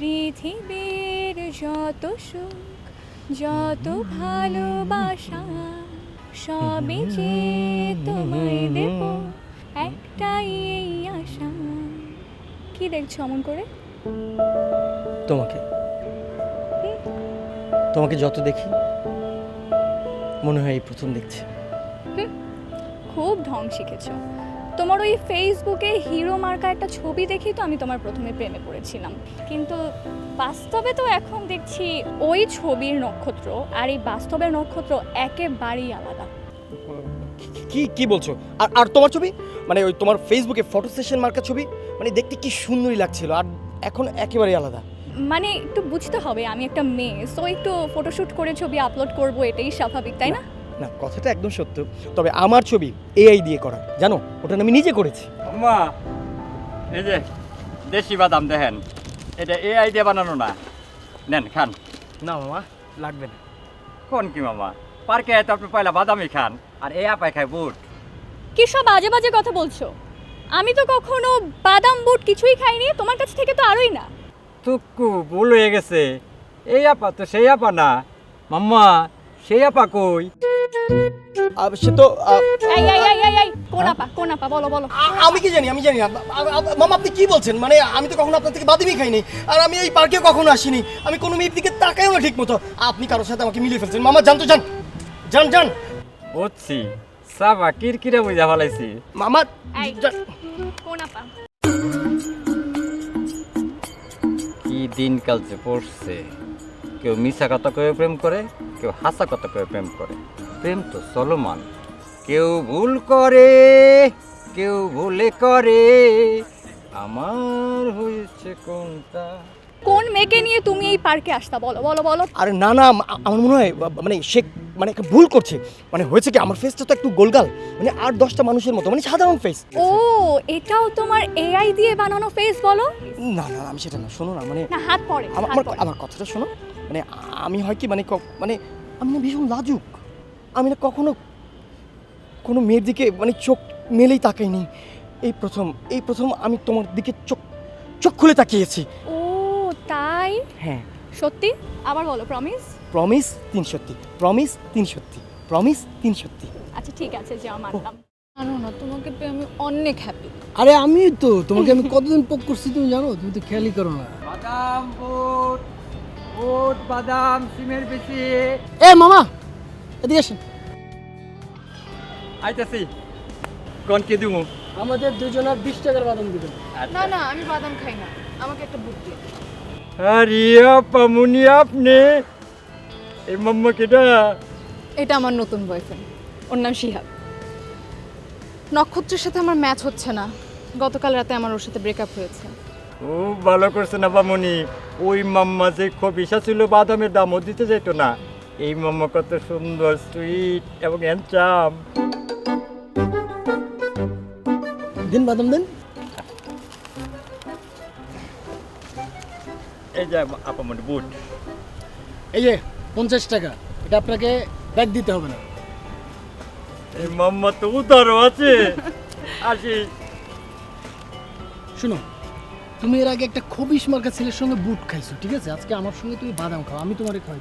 পৃথিবীর যত সুখ যত ভালোবাসা সবই যে তোমায় দেব একটাই এই আশা। কি দেখছো অমন করে? তোমাকে তোমাকে যত দেখি মনে হয় এই প্রথম দেখছি। খুব ঢং শিখেছো। তোমার ওই ফেসবুকে হিরো মার্কা একটা ছবি দেখি তো আমি তোমার প্রথমে প্রেমে পড়েছিলাম, কিন্তু বাস্তবে তো এখন দেখছি ওই ছবির নক্ষত্র আর এই বাস্তবের নক্ষত্র একেবারেই আলাদা। কি কি বলছো? আর আর তোমার ছবি মানে ওই তোমার ফেসবুকে ফটো সেশন মার্কা ছবি মানে দেখতে কি সুন্দরই লাগছিল, আর এখন একেবারেই আলাদা। মানে একটু বুঝতে হবে আমি একটা মেয়ে, সো একটু ফটোশুট করে ছবি আপলোড করব, এটাই স্বাভাবিক, তাই না? না, কথাটা একদম সত্য, তবে আমার ছবি এআই দিয়ে করা, জানো ওটা আমি নিজে করেছি। আম্মা এই যে দেশি বাদাম দেখেন, এটা এআই দিয়ে বানানো না, নেন খান। না মামা, লাগবে না। কোন কি মামা, পার্কে তো আপনি পয়লা বাদামই খান আর এ আপায় খায় বুট। কি সব বাজে বাজে কথা বলছো? আমি তো কখনো বাদাম বুট কিছুই খাইনি, তোমার কাছ থেকে তো আরোই না। তুকু ভুল হয়ে গেছে, এই আপা তো সেই আপা না মাম্মা, সেই আপা কই? সে তো এই এই এই এই এই কোন আপা বলো বলো। আমি কি জানি, আমি জানি না। মামা আপনি কি বলছেন? মানে আমি তো কখনো আপনার থেকে বাদামই খাইনি, আর আমি এই পার্কে কখনো আসিনি, আমি কোনো মেয়ের দিকে তাকাইও না ঠিক মতো। আপনি কারোর সাথে আমাকে মিলিয়ে ফেলছেন। মামা জান তো, যান যান যান। বুঝছি, সাবা কিরকিরা বুঝা ফেলাইছি। মামা এই যান। কোন আপা? কি দিনকাল যে পড়ছে, কেউ মিশা কথা কয়ে প্রেম করে, কেউ হাসা কথা কয়ে প্রেম করে। প্রেম তো চলমান, কেউ ভুল করে, কেউ ভুলে করে, আমার হয়েছে কোনটা? কোন মেয়েকে নিয়ে তুমি এই পার্কে আসতা বলো বলো বলো। আরে না না, আমার মনে হয় মানে সে মানে একটা ভুল করছে। মানে হয়েছে কি, আমার ফেসটা তো একটু গোলগাল, মানে 8-10টা মানুষের মতো, মানে সাধারণ ফেস। ও, এটাও তোমার এআই দিয়ে বানানো ফেস বলো? না না, আমি সেটা না, শোনো না, মানে না হাত পড়ে আমার আমার কথাটা শোনো। মানে আমি হয় কি, মানে মানে আমি না ভীষণ লাজুক। আমি না কখনো কোনো মেয়ের দিকে মানে চোখ মেলেই তাকাইনি। এই প্রথম আমি তোমার দিকে চোখ খুলে তাকিয়েছি। ও তাই? হ্যাঁ। সত্যি? আবার বলো প্রমিস। প্রমিস 3 সত্যি, প্রমিস 3 সত্যি, প্রমিস 3 সত্যি। আচ্ছা ঠিক আছে, যা মানলাম। জানো না, তোমাকে পেয়ে আমি অনেক হ্যাপি। আরে আমি তো তোমাকে আমি কতদিন পোক করছি তুমি জানো, তুমি তো খেয়ালই করো না। বাদাম বুট, বুট বাদাম সিমের বেশি। এ মামা এদিকে আসেন। আইতাছি, কোন কে দিমু? আমাদের দুজনের 20 টাকার বাদাম দিবেন। না না, আমি বাদাম খাই না, আমাকে একটা বুট দিন। আরে আপা মুনি, আপনি এই মাম্মা কেডা? এটা আমার নতুন বয়ফ্রেন্ড, ওর নাম শিহাব। নক্ষত্রের সাথে আমার ম্যাচ হচ্ছে না, গতকাল রাতে আমার ওর সাথে ব্রেকআপ হয়েছে। খুব ভালো করছেন আপা মুনি। ওই মাম্মা যে খবিসা ছিল, বাদামের দামও দিতে যাইতো না। এই মাম্মা কত সুন্দর, সুইট এবং হ্যান্ডসাম। দিন বাদাম দেন। এই যে আপা মুনি বুট। এই যে 50 টাকা, এটা আপনাকে ব্যাগ দিতে হবে না। এই মাম্মা তো উদারও আছে। আসি। শুনো, তুমি এর আগে একটা খবিশ মার্কা ছেলের সঙ্গে বুট খাইছো, ঠিক আছে? আজকে আমার সঙ্গে তুমি বাদাম খাও, আমি তোমারে খাই।